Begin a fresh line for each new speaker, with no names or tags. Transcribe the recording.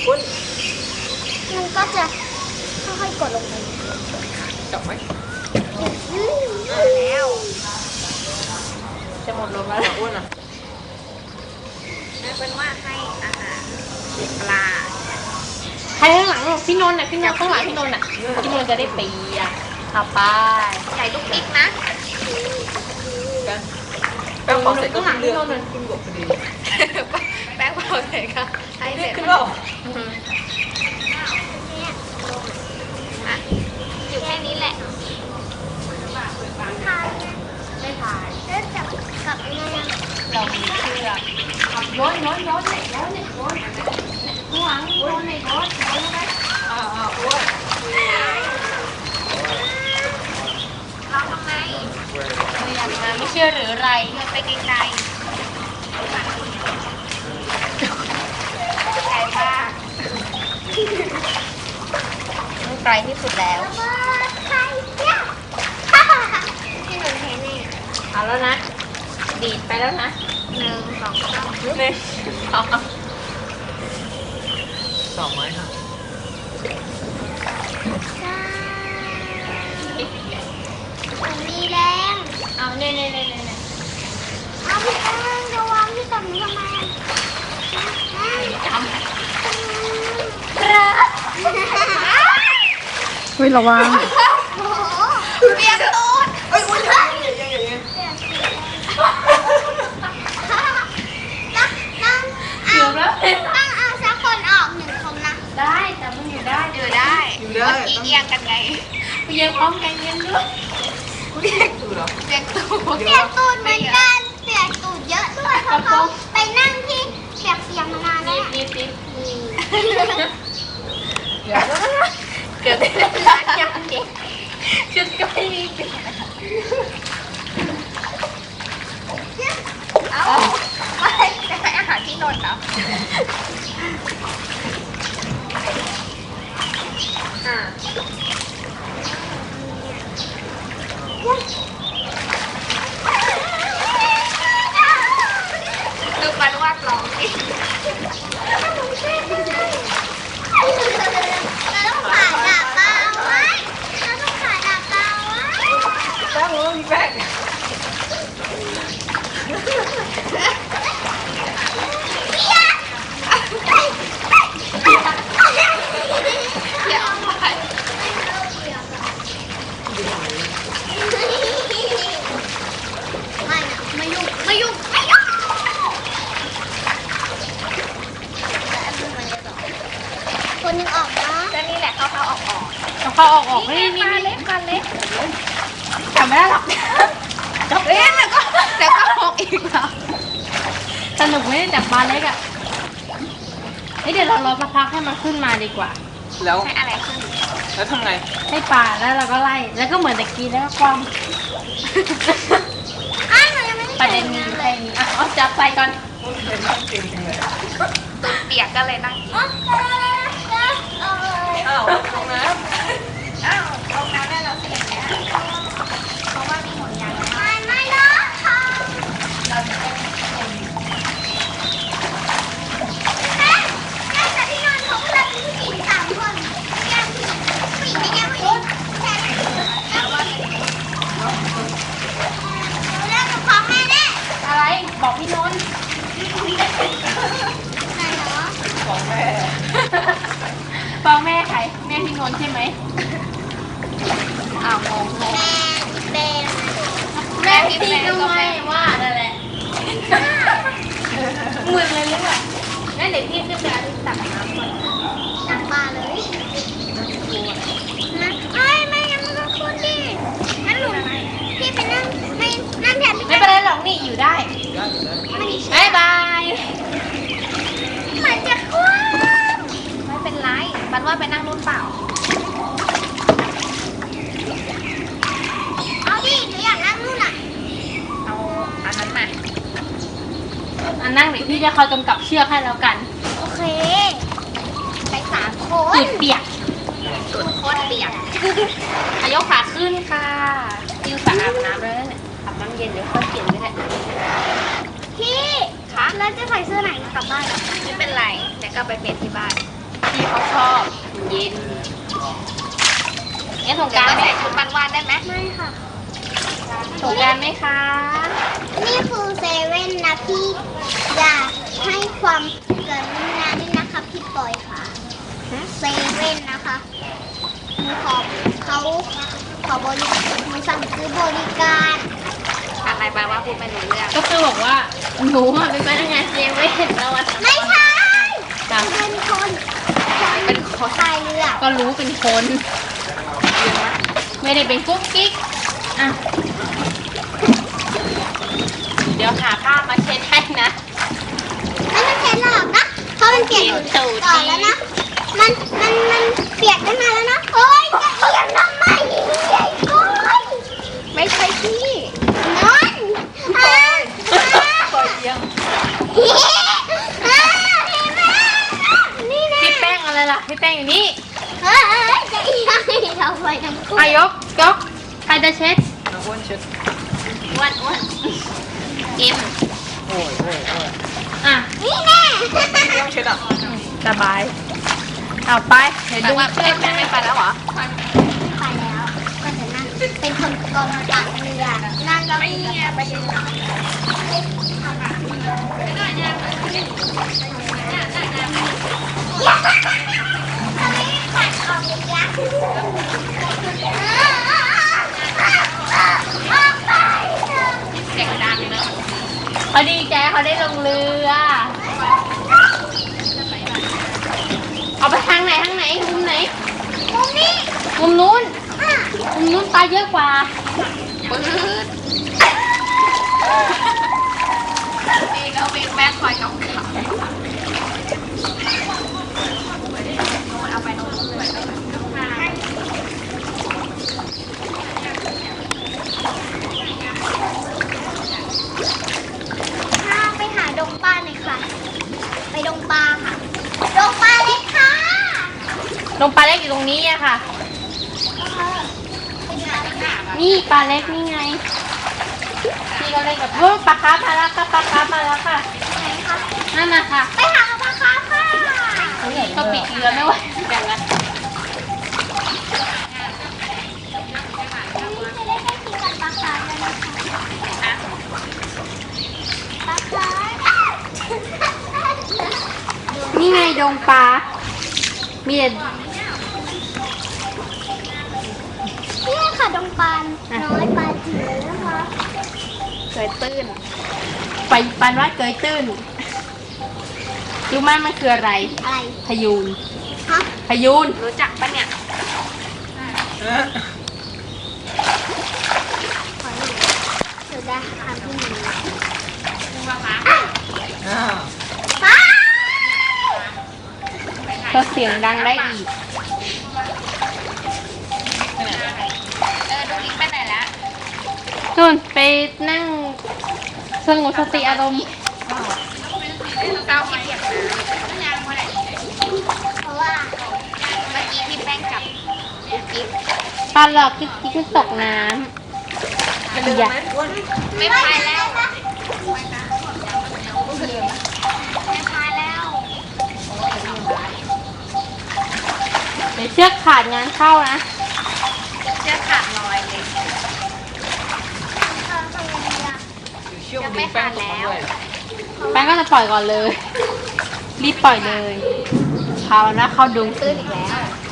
คุณ
มันก็จะค่อยๆกดลงไป
จับไหม
แล้วจะหมดลมแล้ว
อ้วนอ่ะ
เป็นว่าให้อาหารปลา
ใครข้างหลังพี่นนท์น่ะพี่นนท์ข้างหลังพี่นนท์น่ะพี่นนท์จะได้เปียกเอาไป
ใหญ่ลูกพริกนะ
กันแป้งเผาเสร็จก็
ข้างหลั
ขึ้
ง
นเรือ
พี่นนท์น่ะ
ขึ้นบกพอดี
แป้งเผาเสร็จค่ะให้เสร็จ
ขึ้นแล้ว
อยู่แค่นี้แหละทานไม่ทานแล้วจับกับยังไง
เรามีเชือกโยนเนี่ยโยนข้างหลังโยนเนี่ยโยนไหม
อ้วน
เราทำไม
อยากมาไม่เชื่อหรือไร
โยนไปไกลๆไกลมาก
ไกลที่สุดแล้ว
ใครเนี่ยที่หนูเห็นนี่
เอาแล้วนะ ดีดไปแล้วนะ
1 2 3
เนี่ยเอา
สองไม้ค่ะ
มันมีแรง
เอาเนี่ย
เอาพี่แป้งระวังที่กับหนูทำไม
จำ
เฮ้ยระวัง
โอ้โหเปียกตูด
เฮ้ยอุ้ยอย่างนี้อย่างนี้
เกือบแล้ว
ต้องเอาสักคนออก1 คนนะ
ได้แต่มันอยู่ได้
อยู่ได้
อยู่ได้
เมื่อกี้เอียงกันไง
ไปเย็นพร้อมกันเย็นด้วย
เรียกตัวเหรอ
เปียกตูดเปียกตูดเหมือนกันเปียกตูดเยอะด้วยเพราะเขาไปนั่งที่เปียกมานานแล้ว
นิด
เดี๋ยว
เกือบได้ร้านยังเด็กชุดก็ไม่มีเปลี่ยน
เอ้าไม่จะให้อาหารที่นนท์เหรอ ดูปันวาดร้องดิเราต้องผ่าดาบเปล่าไว้เราต้องผ่าดาบเปล่าไว้
แป้งมีแป้ง
เดี๋ยวเอาไปไม่นะไม่ยุ่งไม่ยุ่งไม่ยุ่งคนนึงออกนะก็นี่แหละเข้าออก
เอาเข้าออกนี่
ปลาเล็กปลาเล็ก
จำไม่ได้หรอก
เอ๊ะแล้วก็ออกอีกเหรอ
สนุกไม่ได้จับปลาเล็กอ่ะเดี๋ยวเรารอสักพักให้มันขึ้นมาดีกว่า
แล้ว
ให้อะไรขึ้น
แล้วทำไง
ให้ปลาแล้วเราก็ไล่ แล้วก็เหมือนตะกี้แล้วก็ความ
อ้าวหนูยังไม่ได้
ประเด็นมีอยู่แค่นี้อ่ะเอาจับใส่ก่อน
เป็นนั่งจริงจริงเลย
ตูดเปียกก็เลยนั่งกิน
อ้าวตรงน้
อ้าวเอาน้ำได้แล้วสิอย่างเงี้ยเพราะว่ามีห่วงยางไม่เนาะค่ะแม่แต่ที่นอนของเราเป็นผู้หญิง3 คนแก้มผู้หญิงไม่แก้มผู้หญิงแค่ไหนแล้วก็แล้วกับของแม่แน่
อะไร บอกพี่นนท์
ไหนเนาะ
ำของแม่
ฟังแม่ใคร แม่พี่นนท์ใช่ไหมอ้าวงง
แม่
แม่พี่ก็ไม่ว่านั่นแหละเหมือนเลยหรือเปล่างั้นเดี๋ยวพี่ขึ้นไปเอาที่ตักน้ำก่อน
ตักปลาเลยนะเอ้ยแม่ยังไม่ต้องพูดดิงั้นหนูพี่ไปนั่งนั่งแทนพี่
ไม่เป็นไรหรอกนี่อยู่ได้
ได้อยู่ได้
บ๊ายบาย
เหมือนจะคว่ำไม่เป็นไรบันว่าไปนั่งนู่นเปล่าเอาดิหนูอยากนั่งนู่นอ่ะเอาอันนั้นมา
อันนั่งเดี๋ยวพี่จะคอยกำกับเชือกให้แล้วกัน
โอเคไป3 คน
ตูดเปียก
ตูดโคตรเปียก
อายกขาขึ้นค่ะติวสระอาบน้ำแล้วเนี่ยอาบน้ำเย็นเดี๋ยวค่อยเปลี่ยนก็ได้
พี่คะแล้วจะใส่เสื้อไหนกลับบ้านไม่เป็นไรเดี๋ยวก็ไปเปลี่ยนที่บ้าน
พี่เขาชอบเย็นเนี่ยสงกรารไหมชุดวันวานได้ไหม
ไม่ค่ะ
สงกรารไหมคะ
นี่คือเซเว่นนะพี่อยากให้ความกรุณาด้วยนะคะพี่ปอยค่ะเซเว่นนะคะหนูขอบริการหนูสั่งซื้อบริการ
อะไรไปว่าพูดไม่รู้เรื่อง
ก็คือบอกว่าหนูอะเป็นพนักงานเซเว่นแล้วอะ
ไม่ใช่
จ้ะ
เป็นคนพายเรือ
ก็รู้เป็นคน ไม่ได้เป็นกุ๊กกิ๊กอ่ะเดี๋ยวหาผ้ามาเช็ดให้นะ
ไม่ต้องเช็ดหรอกนะเพราะมันเปียกอยู่ก่อนแล้วนะมันเปียกตั้งนานแล้วนะโอ๊ยจะเอียงทำไมใหญ่ก้อย
ไม่ใช่พี่
นอน
ปล่อยเยี่ยม
นี่นะ
พี่แป้งอะไรล่ะพี่แป้งอยู่นี่
จะเอียงให้เราไปทั้งคู่
อายกใครจะเช็ด
อ้วนเอ็ม
อ่ะ
นี่แน่
สบายเอาไปเดี๋ยว
แต่
ดู
ว่าเพื่อนแม่ไม่ไปแล้วเหรอ
ไปแล้วก็จะนั่งเป็นคนกองกลางเรือนั่งแล้วไม่ไปเดินขัดออกเลยยะออกไป
เสียงดังเนอะ
เขาดีใจเขาได้ลงเรือ เอาไปทางไหนมุมไหน
มุมนี้
มุมนู้น
อ่ะ
มุมนู้นปลาเยอะกว่า
ปื๊ดนี่ก็วิ่งแม่คอยกับเขาเอาไปโน่นไปโน่น
ถ้าไปหาดงปลาหน่อยค่ะ ไปดงปลาค่ะ ดงปลาเล็กค่ะ
ลงปลาเล็กอยู่ตรงนี้อะค่ะ นี่ปลาเล็กนี่ไงพี่ก็เล่นกับปลาคาร์ฟมาแล้วค่ะปลาคาร์ฟมาแล้วค่ะ
ไหนคะ
นั่นน่ะค่ะ
ไปหาปลาคาร์ฟค่ะ
ก็ปิดเรือไม่ไหวอย่างนั้น
นี่จะได้ใกล้ชิดกับปลาคาร์ฟแล้วนะคะปลาคาร์ฟ
นี่ไงดงปลา มีแต่
นี่ค่ะดงปลาน้อยปลาจิ๋วนะคะ
เคยตื้น
ไปปันว่าเกยตื้นรู้ไหมมันคืออะไร
อะไร
พยูน
ฮะ
พยูน
รู้จักปะเนี่ย
ขอหนูเดี๋ยวได้ทำที่หนู
รู้ปะคะ
ป้า
ก็เสียงดังได้อีก
ดูลิงไปไหนแล้ว
นู่นไปนั่งสงบสติอารมณ์
เก้าที่เปียกน้ำ
เพราะว่า
เมื่อกี้พี่แป้งกับกุ๊กกิ๊บ
ปลาหลอกที่ขึ้นตกน้ำอย่า
ไม่พายแล้วไม่พายแล้ว
เดี๋ยวเชือกขาดงานเข้านะ
เชือกขาดลอยเลย
ทำยังไงล่ะ
จะไม่ขาดแล้ว
แป้งก็จะปล่อยก่อนเลย รีบปล่อยเลยเขานะเข้าดุง
ตื้นอีกแล้ว